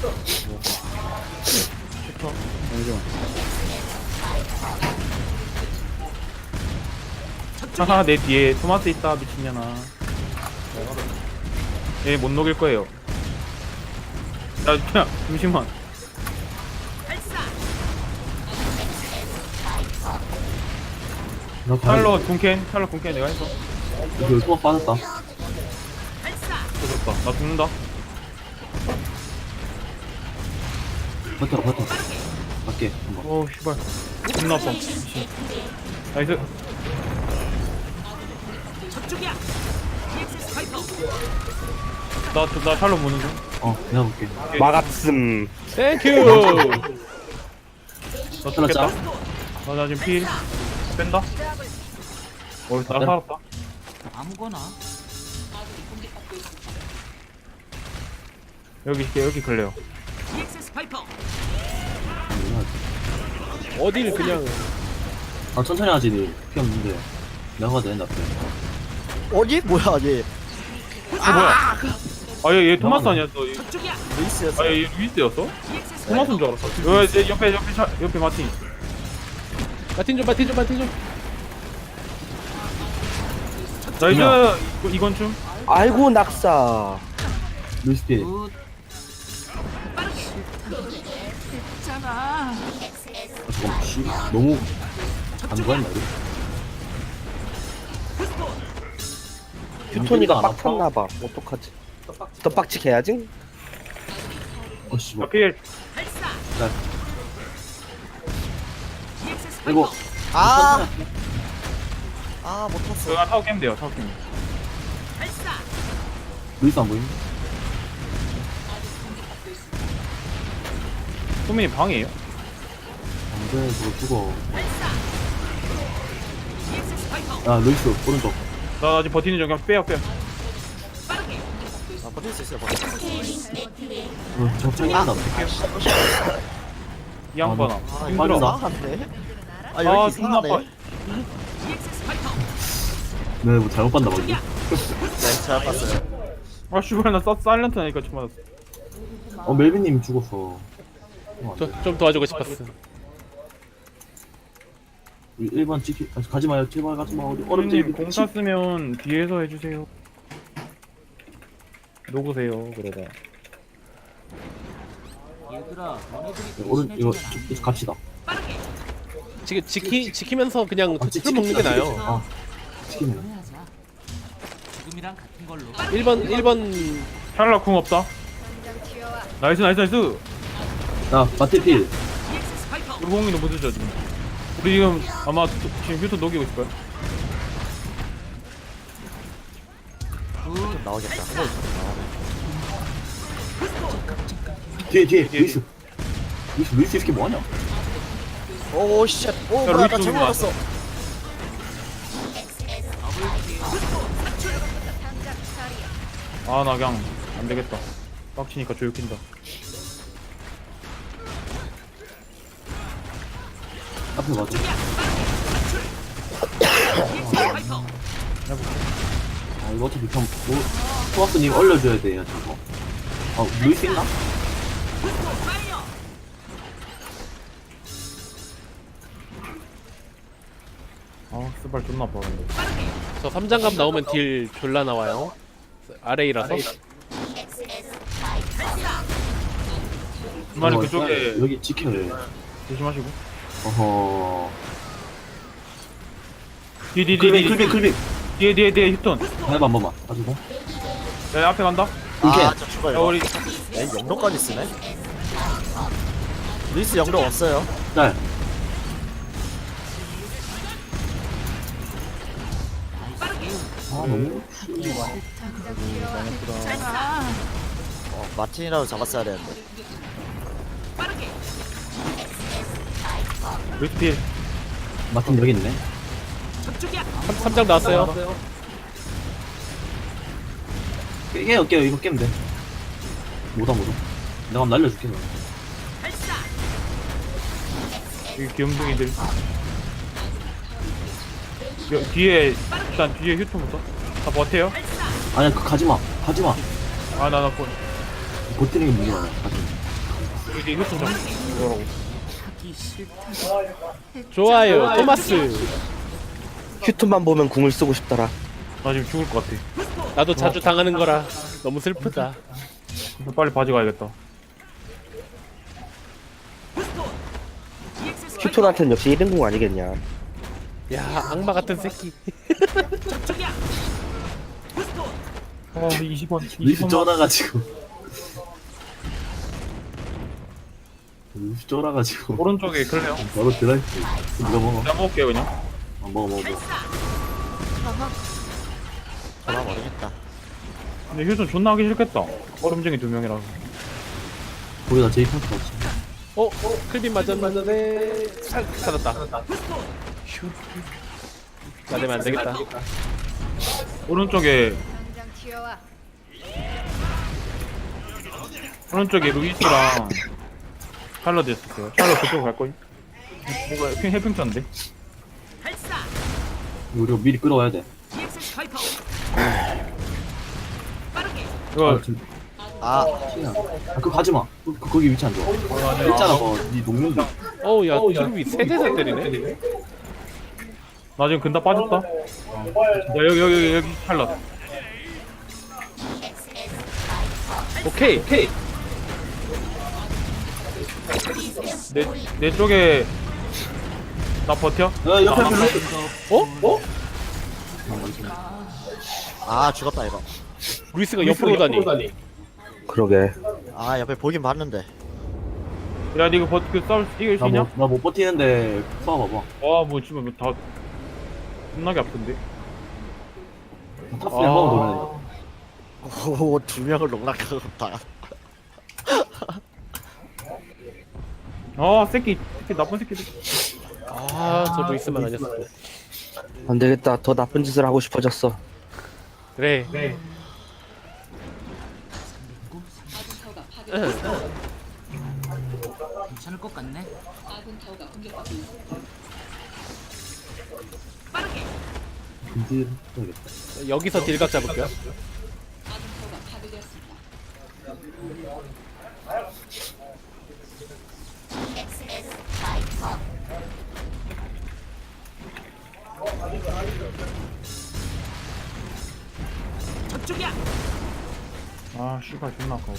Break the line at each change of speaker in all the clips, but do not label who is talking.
하하, 내 뒤에 토마스 있다, 미친년아. 얘 못 녹일 거예요. 야, 잠시만.
나 가야
샬롯 군캔 내가 했어.
이거 또 빠졌다.
죽었다. 나 죽는다.
버텨. 갈게. 한번.
어우, 씨발. 존나 아파. 미친. 나이스. 나 샬롯 보는 중.
내가 볼게.
막았음.
땡큐.
나
하나
죽겠다.
짜.
나 지금 필. 뺀다. 나 살았다.
아무거나.
여기 걸려요.
어딜 그냥
천천히 하지, 니. 피 없는데. 내가 가도 된다, 앞에.
어디? 뭐야 얘
뭐야? 얘 토마스 아니었어.
루이스였어.
얘 루이스였어? 토마스인 줄 알았어. 옆에 마틴.
마틴 좀.
나이스. 이건 춤.
아이고 낙사.
루이스 피. 잠깐만, 씨. 너무. 안 구했나, 이거?
휴톤이가
안 아파?
빡쳤나봐. 어떡하지? 더 빡치게 해야지?
씨, 뭐.
필.
이거.
아 못 탔어.
그거 타워 깨면 돼요. 타워 깨면.
루이스 안 보임?
소민이 방이에요?
안 돼, 저거 죽어. 야, 루이스, 오른쪽.
나 아직 버티는 중. 그냥 빼요.
아 버틸 수 있어요. 버틸 수 있어요.
적당히 한다.
이 양반아.
아
이거
힘들어.
이상한데? 아
아,
여기
존나 아파.
이상하네.
네, 뭐 잘못 봤나 봐, 이게.
네잘 봤어요.
아, 씨발, 나 사일런트 하니까 좀 맞았어.
멜빈님 죽었어.
좀 도와주고 싶었어.
우리 1번 찍히, 가지 마요, 제발 가지 마. 우리 어렵지.
소민님, 공사 쓰면 뒤에서 해주세요. 녹으세요, 그러다.
얘들아, 너네들이
오른, 이거, 갑시다.
지금 지키면서 그냥
아,
틀을 먹는 게 나아요.
치킨이네.
하자. 지금이랑 같은 걸로.
1번
샬럿 궁 없다. 나이스.
야, 마테필.
우리 공이 너무 늦어, 지금. 우리 지금 아마 지금 휴톤 녹이고 있을 거야.
나오겠다.
뒤에, 루이스. 루이스 이렇게 뭐하냐?
오 쉣. 오 뭐야 나
루이스
잘못
누구야?
봤어.
나 그냥 안 되겠다. 빡치니까 조육힌다.
앞에 맞지? 이거 어차피 그냥, 토마스님 얼려줘야 돼요, 저거. 루이스 있나?
스발 존나 아파, 근데.
저 3장갑 나오면 딜 졸라 나와요. RA라서.
그만이 그쪽에
여기 지켜야 돼.
조심하시고.
어허.
뒤.
클빅.
뒤에 휴톤.
해봐, 한 번만. 가지고.
야, 앞에 간다.
아저 죽어
야,
이거.
우리
에 영로까지 쓰네. 루이스 영로 없어요.
짤. 너무.
마틴이라도 잡았어야 되는데.
루이스필.
마틴 여기 있네.
3장 나왔어요.
깨요. 이거 깨면 돼. 뭐다. 내가 한번 날려줄게. 그럼.
여기 귀염둥이들. 뒤에 일단 뒤에 휴톤부터. 다 버텨요.
아니야, 가지마.
나
버티는 게 문제야. 가지마.
이제 이것 좀 잡고.
하기 싫다.
좋아요 토마스.
휴톤만 보면 궁을 쓰고 싶더라.
나 지금 죽을 것 같아.
나도 자주 당하는 거라 너무 슬프다.
빨리 바지 가야겠다.
휴톤한테는 역시 1인궁 아니겠냐.
야 악마 같은 새끼.
아 20원.
루이스
20원.
쫄아가지고. 루이스 쫄아가지고.
오른쪽에 클레어.
바로 드라이브. 누가 먹어?
내가 먹을게요 그냥.
먹어.
전화 모르겠다.
근데 휴전 존나 하기 싫겠다. 얼음쟁이 2명이라서.
거기다 제이 펑크 같이.
클빈 맞았네. 살았다. 휴. 나대면 안 되겠다.
오른쪽에
당장 튀어와.
오른쪽에 루이스랑 샬럿 있었어요. 샬럿 그쪽 갈 거임. 이거 해평천인데.
우리가 미리 끌어와야 돼.
이거
아,
그거 가지 마. 거기 위치 안 좋아. 있잖아, 네 농민들.
어우야 트루비 세대서 때리네.
나 지금 근다 빠졌다. 야, 여기 샬럿.
오케이.
내 쪽에 나 버텨?
야, 옆에 별로.
아 죽었다 이거.
루이스가 옆으로 오다니.
그러게.
아 옆에 보긴 봤는데.
야, 니 이거 싸울 이길 수 있냐?
나못 버티는데 쏴봐봐.
와, 뭐 지금 다 겁나게 아픈데.
탑스에 한번 돌아야 돼.
오, 두 명을 농락하겠다.
아, 새끼 나쁜 새끼들.
아저 루이스만 아니었어.
안 되겠다. 더 나쁜 짓을 하고 싶어졌어.
그래.
괜찮을 것 같네.
근질 해야겠다.
여기서 딜각 잡을게요.
아, 씨발 존나 아까워.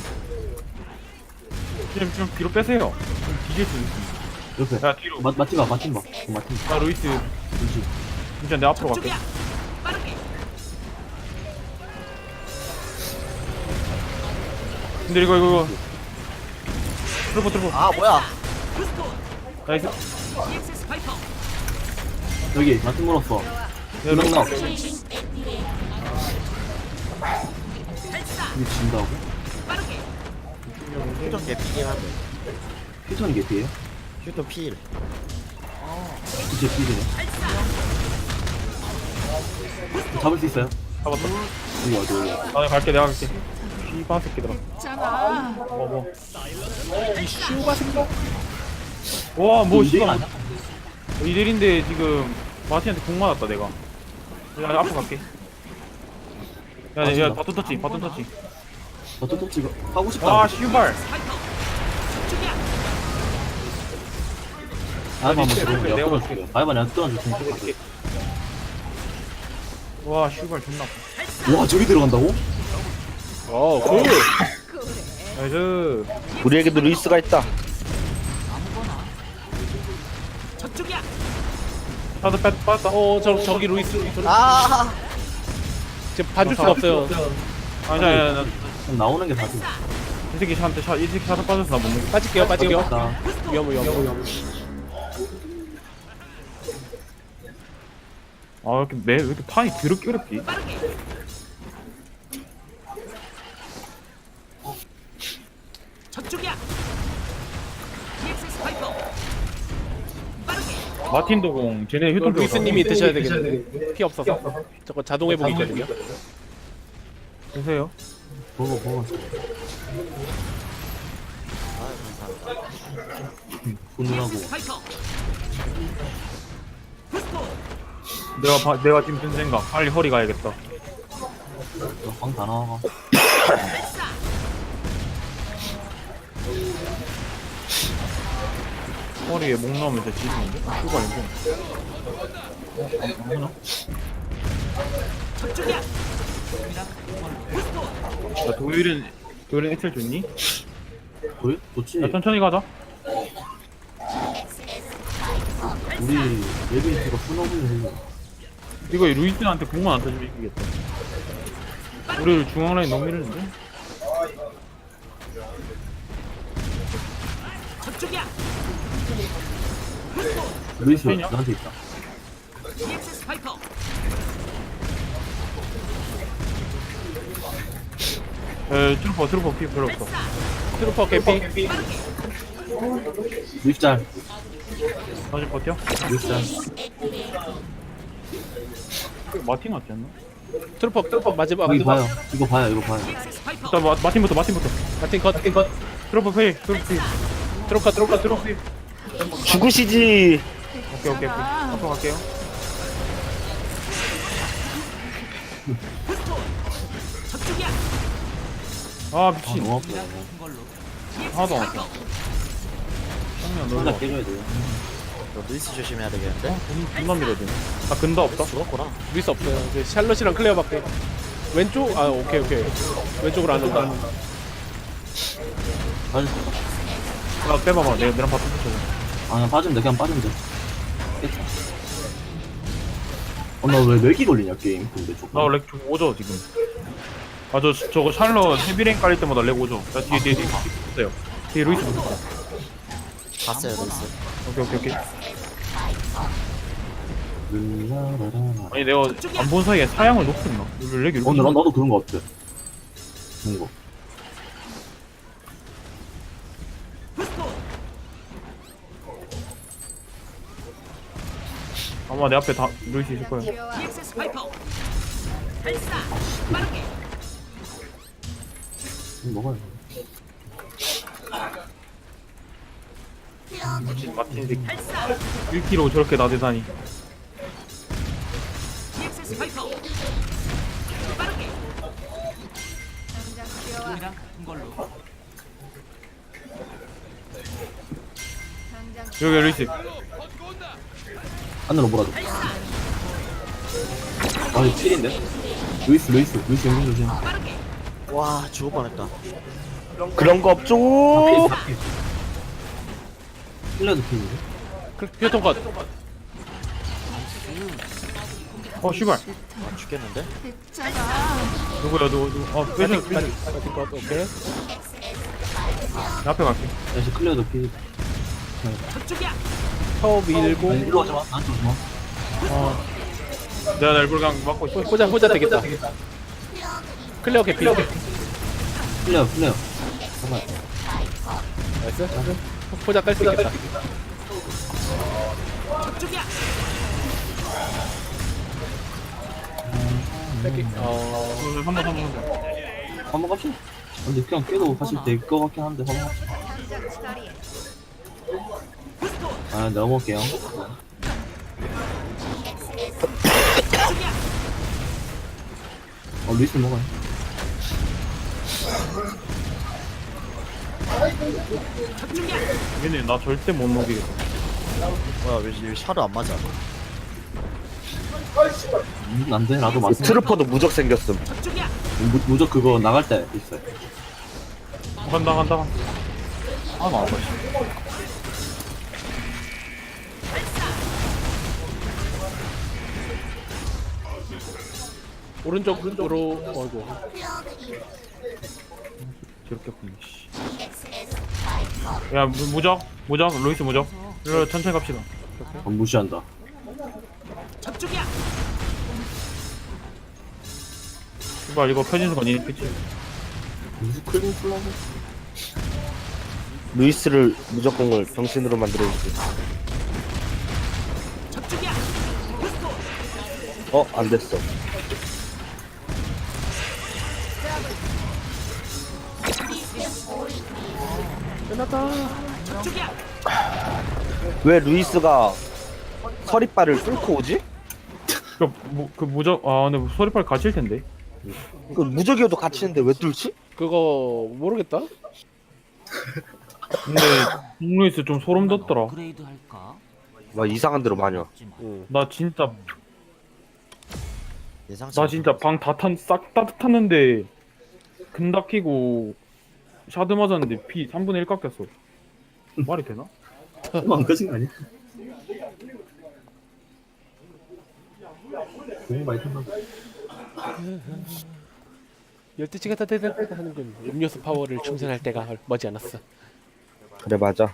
좀 뒤로 빼세요. 좀 뒤질 수 있어.
옆에.
야, 뒤로.
마틴 봐. 마틴.
아, 루이스.
그렇지.
진짜 내 앞으로 갈게. 근데 이거. 트루퍼.
아 뭐야?
나이스.
여기 마틴 물었어.
야,
그냥
루이스.
나. 이거 진다고?
표정 개피긴 한데.
피턴이 개피에요?
휴ton 필.
진짜 피이네. 잡을 수 있어요?
잡았다.
여기 어디?
아, 내가 갈게. 씨발 새끼들아. 뭐.
이 슈가 생각.
와, 뭐
이대일
씨발.
아니야?
이대일인데 지금 마티한테 공 맞았다 내가. 야, 앞으로 갈게. 야, 바톤 터치.
또 지금 하고 싶다.
아, 씨발.
아이만 한번
내가
들어오면
내가
끊어줄게요. 아이만 내가 끊어줄 테니까.
와, 씨발 존나 아파.
와 저기 들어간다고?
굿.
나이스.
우리에게도 루이스가 있다.
나도 빠졌다.
저기 루이스.
아,
지금 봐줄 수가 없어요.
아니야.
그럼 나오는 게 다지.
이 새끼 샷 빠져서 나 못 먹겠다.
빠질게요.
나
위험.
아, 왜 이렇게 판이 더럽게 어렵지? 마틴도 공, 쟤네 휴ton
루이스님이 드셔야 되겠는데 피 없어서 저거 자동 회복 있거든요.
드세요.
먹어. 훈훈하고.
내가 지금 든 생각. 빨리 허리 가야겠다.
방다 나와.
머리에 목 나오면 진짜 지지는데? 슈가 아니고. 안 보나? 야, 도일은 엑셀 좋니?
그래? 좋지.
야, 천천히 가자.
우리 레빈트가 풀어보는 해.
이거 루이스한테 공만 안 터지면 이기겠다. 우리를 중앙 라인 너무 밀리는데?
루이스
페이냐?
나한테 있다.
트루퍼 피 별로 없어.
트루퍼 개피.
루이스 짤.
다시 버텨?
루이스 짤.
마틴 같지 않나?
트루퍼 마지막.
여기 봐요. 이거 봐요. 이거 봐요.
일단 마틴부터.
마틴 컷.
트루퍼 페이. 트루퍼 페이.
죽으시지.
오케이. 앞으로 갈게요. 아,
아,
미친.
너무 아프다.
하나도 안 왔어. 형님, 놀러.
혼자 깨줘야 돼요.
너 루이스 조심해야 되겠는데?
존나 밀어야 되네. 나 근다 없다?
죽었구나.
루이스 없어요. 이제 샬럿이랑 클레어밖에. 왼쪽? 아 오케이. 왼쪽으로 안 온다.
빠질
야, 빼봐봐. 내랑 바텀 붙여줘.
아, 그냥 빠지면 돼. 그냥 빠지면 돼. 깼다. 나 왜 렉이 걸리냐, 게임. 근데 조금.
나 렉 좀 오죠, 지금. 아, 저거 샬럿 헤비랭 깔릴 때마다 렉 오죠. 자, 뒤에 붙었어요. 뒤에 루이스 붙었어.
봤어요 루이스.
오케이.
르라라라.
아니, 내가 안 본 사이에 사양을 높였나? 렉이 이렇게.
나도 그런 거 같아. 그런 거.
아마 내 앞에 다 루이스 있을 거야.
먹어야 돼.
마틴 새끼. 1kg 저렇게 나대다니. 여기 루이스.
안으로 몰아줘. 아, 이거 필인데? 루이스 연금 조심.
와 죽을 뻔했다.
그런 거 없죠.
필러도 필인데?
휴통 컷.
씨발.
아 죽겠는데?
누구야, 누구. 빼줘.
마틴 컷. 오케이.
내 앞에 갈게.
다시 클리어도 필.
타워 밀고.
아니, 일로 오지 마. 나한테 오지 마.
내가 날 불강 막고 있어.
호자 되겠다. 클레어 개피.
클리어.
나이스. 호자 깔 수 있겠다. 뺄게.
한번
한번 갑시다. 근데 그냥 깨도 사실 될 것 같긴 한데, 한번 갑시다. 아, 내가 먹을게요. 루이스 먹어요.
얘네 나 절대 못 녹이겠다.
뭐야 왜 샤르 안 맞아?
안 돼. 나도 맞습니다.
트루퍼도 무적 생겼음.
무적 그거 나갈 때 있어요.
간다. 아, 나 아파.
오른쪽으로. 어이구.
저렇게 보니. 야, 무적, 루이스 무적. 이거 천천히 갑시다.
무시한다.
이발 이거 펴진 순간 이 그치?
무슨 클린 플라고?
루이스를 무적공을 병신으로 만들어주지. 안 됐어. 왜 루이스가 서리빨을 뚫고 오지?
그 무적, 근데 소리빨 갇힐 텐데.
그 무적이어도 갇히는데 왜 뚫지?
그거 모르겠다.
근데 루이스 좀 소름 돋더라.
업그레이드 할까?
막 이상한 데로 많이 와.
응.
나 진짜
예상치
나 진짜 방 싹 다 탔는데 근다 키고 샤드 맞았는데 피 3분의 1 깎였어. 말이 되나?
너무 안 꺼진 거 아니야? 너무 많이 탄다.
열대치가 다 되다 하는군. 음료수 파워를 충전할 때가 머지않았어.
그래 맞아.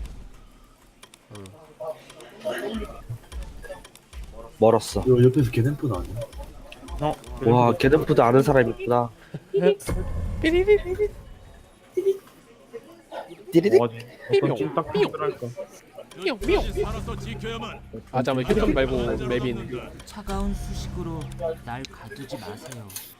멀었어.
요 옆에서 개냄프 나왔네.
어?
와 게덴푸드 아는 사람이 있구나. 띠리릭.
와, 어떤 찐딱 필요할까?
아 잠깐만 휴대폰 말고 맵인.
차가운 수식으로 날 가두지 마세요.